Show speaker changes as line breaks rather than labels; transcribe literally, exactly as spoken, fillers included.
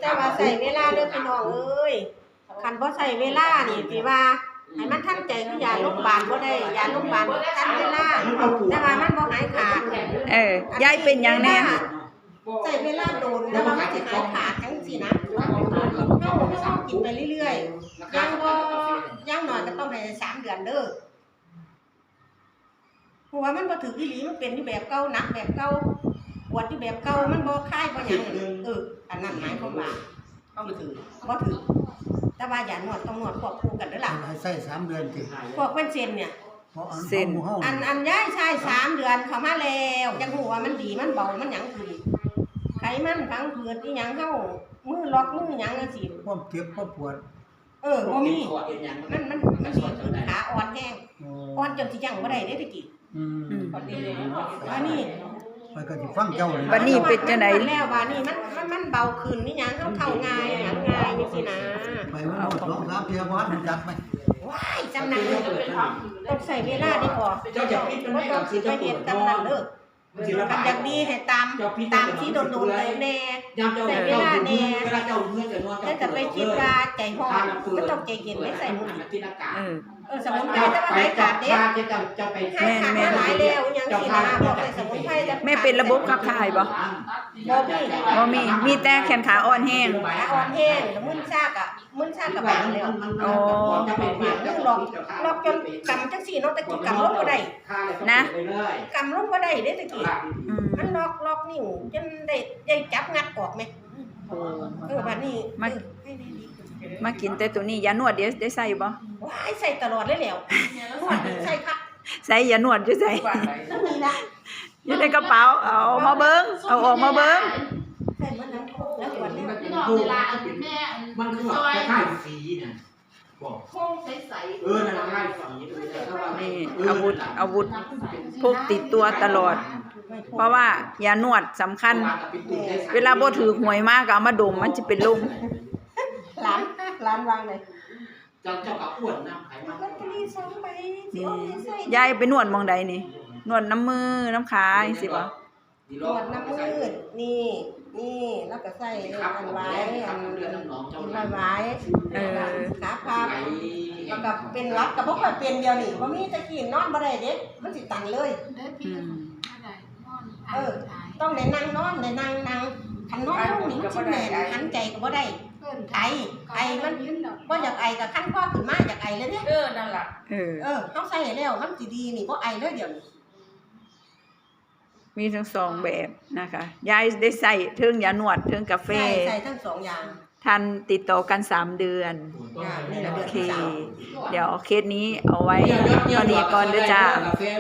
แต่ว่าใส่เวลาเด้อพี่น้องเอ้ยคันบ่ใส่เวลานี่สิว่าให้มันทันใจคือยาโรงพยาบาลบ่ได้ยาโรงพยาบาลทันเวลาแต่ว่ามันบ่หายขาด
เออยายเป็นหยังแน่
ใส่เวลาโดนแต่ว่ามันสิหายขาดจังซี่นะเฮาเฮากินไปเรื่อยๆยังบ่ยังน้อยก็ต้องให้สามเดือนเด้อเพราะว่ามันบ่ถืออีหลีมันเป็นที่แบบเก่าหนักแบบเก่าปวดที่แบบเก่ามันบ่คลายบ่หยังเอออันนั้นหมายความว่าบ่ถือบ่ถือแต่ว่าอย่านวดต้องนวดควบคู่กันเด้อล่ะ
ให้ใส่สามเดือนติ
พวกเป็นเส้นเนี่ย
เส้น
อันอันย้ายใช่สามเดือนเข้ามาแล้วจังฮู้ว่ามันดีมันเบามันหยังขึ้นไขมันพังผืดอีหยังเฮามือล็อกมือหยังจังซี่
ความเจ็บความปวด
เออบ่มีมันมันมันดีขึ้นขาอ่อนแห้งอ่อนจนสิยังบ่ได้เด้ตะกี้
อืม
อันนี้
มันก็สิฟังเจ้าเลย
บัดนี้เป็นจังได๋
แล้วบัดนี้มันมันมันเบาขึ้นนี่หยังเฮาเข้าง่ายหยังง่ายจังซี่นะ
ไปมันหมดสองสามเที่ยวบ่ทันจักมั้ย
ว้ายจำนั้นต้องใส่เวลาดีกว่าเจ้าจะปิดมันไม่ต้องสิไปเฮ็ดตำนั้นเด้อกันอยากดีให้ตามตามที่โดนๆเลยแน่ใส่เวลาแน่แล้วจะไปคิดว่าใจร้อนก็ต้องใจเย็นไม่ใส่มือ
เออ
เออสมุนไพรแต่ว่าไหนขาดเด้ให้ขาดหลายแล้วยังสินะบอกให้สมุนไพรจะ
แม่เป็นระบบขับถ่ายบ่
บ่มี
บ่มีมีแต่แขนขาอ่อนแห้ง
ขาอ่อนแห้งแล้วมึนซากอ่ะมึนซากกับบางแล้ว
อ๋อ
เรื่องหลอกหลอกจนกำจังซี่เนาะตะกี้กำลงบ่ได้
นะ
กำลงบ่ได้เด้ตะกี้มันล็อกล็อกนิ้วจนได้ได้จับงัดออกแม่เออบัดนี้
มามากินแต่ตัวนี้ยานวดเดี๋ยวได้ใส่บ่
ว้ายใส่ตลอดเลยแล้วนวดใส่คัก
ใส่ยานวดอยู่ใส่
นี่ล่ะ
อยู่ในกระเป๋าเอามาเบิ่งเอาออกมาเบิ่ง
ใส่มันแล้วแล้ววันนี้
พี่น้องเวลาแม่
มันคือแบบคล้ายๆสีน่ะบอก
โค้งใสๆ
เออนั่นคล้ายๆสี
นี่อาวุธอาวุธพกติดตัวตลอดเพราะว่ายานวดสำคัญเวลาบ่ถือหวยมากก็เอามาดมมันจะเป็นลม
ร้านร้านวางเลย
เจ้าเจ้ากับอ้วนนะไขมัน
ลอตเตอรี่สองใบ
นี่ยายไปนวดมองใดนี่นวดน้ำมือน้ำขาจังซี่บ่
นวดน้ำมืดนี่นี่แล้วก็ใส่อันไว้อันกินไว้เออขาพับแล้วก็เป็นรัดก็บ่ค่อยเป็นเดียวนี่บ่มีตะกี้นอนบ่ได้เด้มันสิตันเลยเออต้องได้นั่งนอนได้นั่งนั่งคันนอนลงนี่มันสิแม่นหันใจก็บ่ได้ไอไอมันบ่อยากไอก็คันคอขึ้นมาอยากไอเลยเด้
เออนั่นล่ะ
เออ
เออเฮาใส่แล้วมันสิดีนี่บ่ไอเลยเดี๋ยวนี้
มีทั้งสองแบบนะคะยายได้ใส่เทิงยานวดเทิงกาแฟ
ใส่ทั้งสองอย่าง
ทันติดต่อกันสามเดือนโอเคเดี๋ยวเคสนี้เอาไว้ตอนนี้ก่อนเด้อจ้า